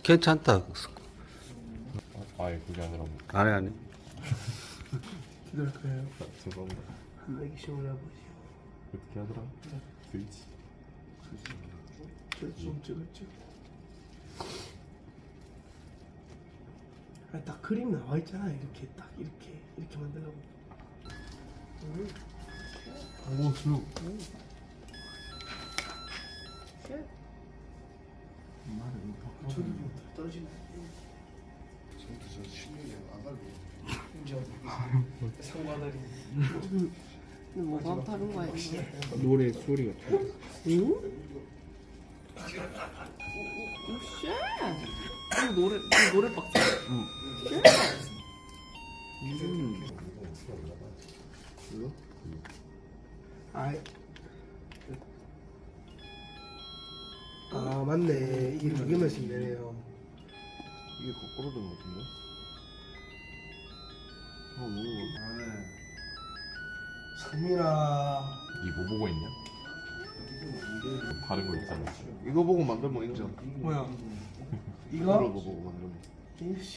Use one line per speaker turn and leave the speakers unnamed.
괜찮다.
아예 그게 아니라 뭐.
아니.
기다릴까요?
죄송합니다.
한 내기 시험을 해보시오.
어떻게 하더라? 스위치.
좀 찍었죠. 아니, 딱 그림 나와 있잖아. 이렇게 딱 이렇게 만들라고.
오 슬로.
저기 떨어지네. 상관다리.
뭐가 다른 거야 이거?
노래 소리가 좀.
응?
쉣! 이거 노래 박스.
이거?
아이. 아 맞네. 이게 두 개만 쓰면 되네요.
이게 거꾸로 된 것 같은데? 너무.
상민아.
이뭐 보고 있냐? 다른 거 있잖아. 이거 보고 만들면 인정.
뭐야?
이거
이거?
보고 만들면.
이씨.